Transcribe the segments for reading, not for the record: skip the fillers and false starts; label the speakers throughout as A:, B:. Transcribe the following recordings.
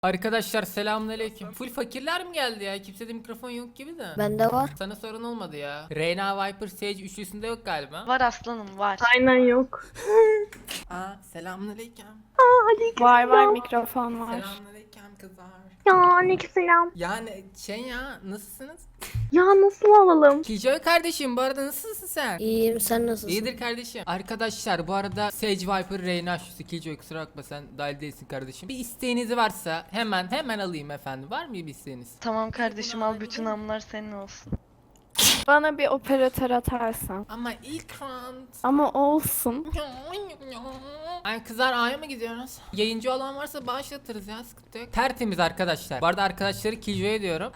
A: Arkadaşlar selamünaleyküm. Full fakirler mi geldi ya? Kimsede mikrofon yok gibi de.
B: Bende var.
A: Sana sorun olmadı ya. Reyna Viper Sage üçlüsünde yok galiba.
C: Var aslanım var.
D: Aynen yok.
A: Aa selamünaleyküm.
D: Var mikrofon var.
A: Selamünaleyküm kızlar.
D: Ya aleykümselam.
A: Yani ya nasılsınız?
D: Ya nasıl alalım?
A: Killjoy kardeşim bu arada nasılsın sen?
B: İyiyim, sen nasılsın?
A: İyidir kardeşim. Arkadaşlar bu arada Sage Viper Reyna şu Killjoy kusura bakma sen dahil değilsin kardeşim. Bir isteğiniz varsa hemen alayım efendim. Var mı bir isteğiniz?
C: Tamam kardeşim al bütün amlar senin olsun.
D: Bana bir operatör atarsan.
A: Ama ilk round.
D: Ama olsun.
A: Ay kızlar A'ya mı gidiyoruz? Yayıncı olan varsa bağışlatırız ya sıkıntı yok. Tertemiz arkadaşlar. Bu arada arkadaşları Killjoy'a diyorum.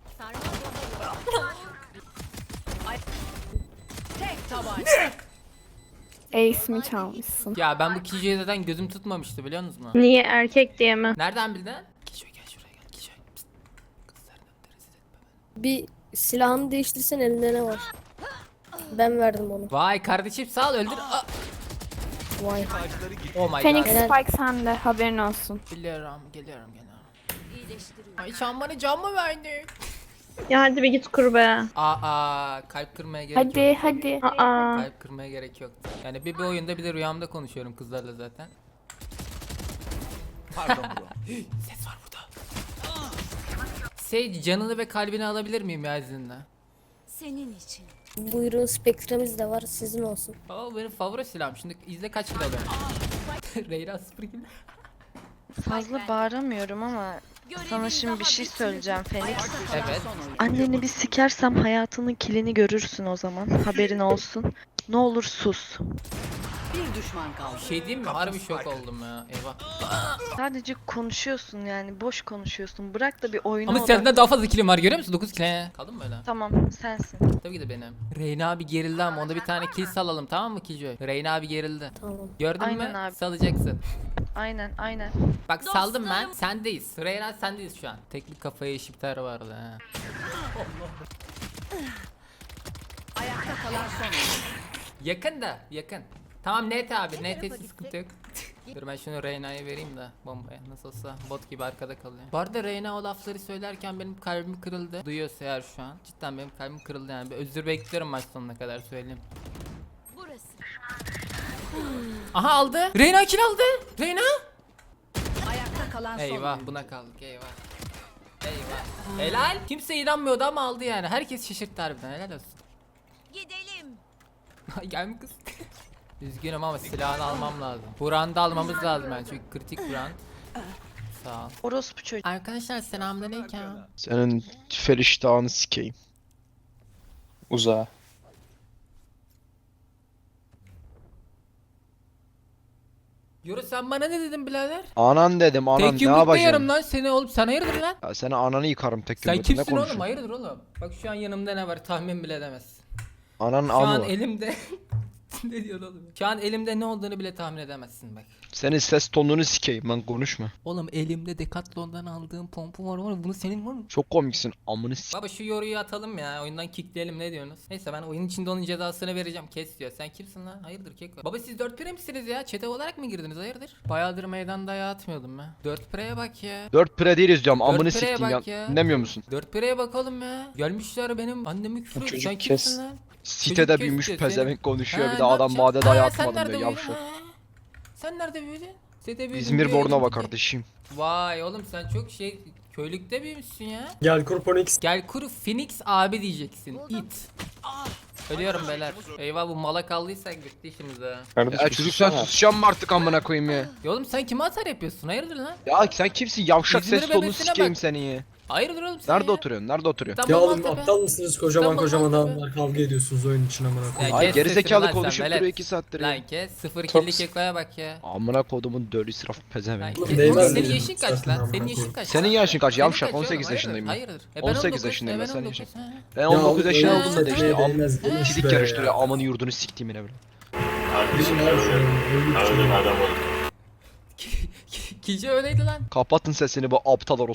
D: Ace mi çalmışsın?
A: Ya ben bu Killjoy'a zaten gözüm tutmamıştı biliyor musunuz?
D: Niye erkek diye mi?
A: Nereden bildin? Killjoy gel şuraya gel Killjoy. Psst. Kızların önünde rezil etme beni.
B: Bir silahını değiştirsen elinde ne var? Ben verdim onu.
A: Vay kardeşim sağ ol öldür. Aa!
B: Vay.
A: Oh my
D: Phoenix
A: god.
B: Helal.
D: Spike sende, haberin olsun.
A: Geliyorum. Ay sen bana can mı verdin?
D: Ya hadi bir git kur be.
A: Aa kalp kırmaya gerek yok.
D: Hadi. Aa.
A: Kalp kırmaya gerek yok. Yani bir oyunda bir de rüyamda konuşuyorum kızlarla zaten. Pardon bro. Ses var burada. Sage canını ve kalbini alabilir miyim ya izinle?
E: Senin için.
B: Buyurun, spektremiz de var, sizin olsun.
A: Aa benim favori silahım. Şimdi izle kaç kilo alıyorum. Reyna 0 kilo.
C: Fazla bağıramıyorum ama sana şimdi bir şey söyleyeceğim Phoenix.
A: Evet.
C: Anneni bir sikersem hayatının kilini görürsün o zaman. Haberin olsun. Ne olur sus.
A: Bir şey diyeyim mi? Harbi şok oldum ya. Eyvah.
C: Sadece konuşuyorsun yani boş konuşuyorsun. Bırak da bir oyuna
A: Ama
C: odaklan.
A: senden daha fazla kilim var görüyor musun? 9 kilo. Kaldın mı öyle?
C: Tamam sensin.
A: Tabii ki de benim. Reyna abi gerildi ama onda bir tane kill salalım tamam mı Killjoy? Reyna abi gerildi.
B: Tamam.
A: Gördün
C: Aynen
A: mü?
C: abi.
A: Salacaksın.
C: Aynen.
A: Bak saldım ben. Sendeyiz. Reyna sendeyiz şu an. Teknik kafaya eşipler vardı ha.
E: Ayakta kalan son.
A: Yakın da yakın. Tamam net abi net hiç sıkıntı yok. Dur ben şunu Reyna'ya vereyim de bombaya nasıl olsa bot gibi arkada kalıyor. Bu arada Reyna o lafları söylerken benim kalbim kırıldı. Duyuyorsa eğer şu an. Cidden benim kalbim kırıldı yani. Bir özür bekliyorum maç sonuna kadar söyleyeyim.
E: Burası.
A: Aha aldı. Reyna kill aldı. Reyna.
E: Ayakta kalan son.
A: Eyvah buna kaldık eyvah. Eyvah. Helal. Kimse inanmıyordu ama aldı yani. Herkes şaşırttı harbiden helal olsun.
E: Gidelim.
A: Gel kız. Üzgünüm ama silahını almam lazım. Buran'ı da almamız lazım yani çünkü kritik Buran. Sağ ol.
C: Orospu çocuğu.
A: Arkadaşlar selamünaleyküm.
F: Senin feriştahını sikeyim. Uzağa.
A: Yoru sen bana ne dedin birader?
F: Anan dedim anan
A: Tek
F: ne
A: yumrukla
F: yapacaksın?
A: yarım lan seni oğlum sen hayırdır lan?
F: Ya seni ananı yıkarım tek
A: Sen
F: yumrukla ne
A: kimsin oğlum
F: konuşuyorsun?
A: hayırdır oğlum? Bak şu an yanımda ne var tahmin bile edemezsin.
F: Anan
A: Şu an
F: amı.
A: elimde ne diyorsun oğlum? Şu an elimde ne olduğunu bile tahmin edemezsin bak.
F: Senin ses tonunu sikeyim lan konuşma.
A: Oğlum elimde Decathlon'dan aldığım pompa var bunu senin var mı?
F: Çok komiksin amını s**.
A: Baba şu yoruyu atalım ya oyundan kickleyelim ne diyorsunuz? Neyse ben oyun içinde onun cezasını vereceğim kes diyor. Sen kimsin lan? Hayırdır keko? Baba siz 4 pire misiniz ya? Çete olarak mı girdiniz hayırdır? Bayağıdır meydanda ayağı atmıyordum ben. 4 pireye bak ya.
F: 4 pire değiliz diyorum amını
A: Dört pireye
F: sikeyim ya.
A: bak ya.
F: Dinlemiyor musun?
A: 4 pireye bakalım ya. Gelmişler benim annemi küfür ediyor.
F: çocuk
A: Sen
F: kes.
A: kimsin lan?
F: Sitede
A: Çocuk
F: büyümüş
A: kes diyor,
F: pezevenk konuşuyor
A: Ha,
F: bir de
A: ne
F: adam
A: yapacaksın?
F: madde
A: Ha,
F: dayağı
A: sen
F: atmadım
A: nerede
F: diyor
A: büyüdün?
F: yavşak.
A: Ha? Sen nerede büyüdün? Sete büyüdün
F: İzmir
A: diyor,
F: Bornova
A: gittin.
F: kardeşim.
A: Vay oğlum sen çok köylükte büyümüşsün ya.
G: Gel Kurponix.
A: Gel kuru Phoenix abi diyeceksin. It. Ölüyorum beyler. Eyvah bu mala kaldıysak bitti işimiz ha.
F: Ya çocuk sen susacağım mı artık amına koyayım ya?
A: Ya oğlum sen kime atar yapıyorsun? Hayırdır lan?
F: Ya sen kimsin yavşak
A: İzmir
F: ses tonunu
A: bebesine
F: sikeyim
A: bak.
F: seni ya.
A: Hayırdır oğlum sen
F: Nerede
A: ya?
F: oturuyorsun? Nerede oturuyorsun?
A: İstanbul
G: Ya oğlum
A: Maltepe.
G: aptal mısınız? Kocaman
A: İstanbul
G: kocaman
A: Maltepe.
G: adamlar kavga ediyorsunuz oyun için amına
A: Ya
G: koyayım.
F: Ay
A: kes
F: gerizekalı
A: sesini lan sen,
F: konuşup
A: velet.
F: duruyor 2 saattir ya.
A: Lan kes 0
G: Çok-
A: killik ekoya bak ya.
F: Amına kodumun dölü israf pezevenk.
A: Lan
G: Oğlum
A: kes.
G: değmez
A: Oğlum senin
G: dedim
A: yaşın kaç
G: zaten
A: lan?
G: amına
A: Senin yaşın
G: koyayım.
A: kaç?
F: Senin yaşın kaç?
A: Senin
F: Yavşak
A: kaç oğlum?
F: 18
A: Hayırdır,
F: yaşındayım ben.
A: Hayırdır.
F: 18 yaşındayım ben, sen
A: 19,
F: yaşın.
A: ha.
F: Ben
G: Ya
F: 19
G: oğlum,
F: yaşında
G: öyle
F: oldum da
G: bir
F: işte
G: şey
F: am
G: değmez, değmez
F: sidik
G: be
F: karıştırıyor
G: ya.
F: amanı yurdunu siktiğim yine böyle.
G: Bizim abi şu an oyun için.
A: Kilce öyleydi lan.
F: Kapatın sesini bu aptal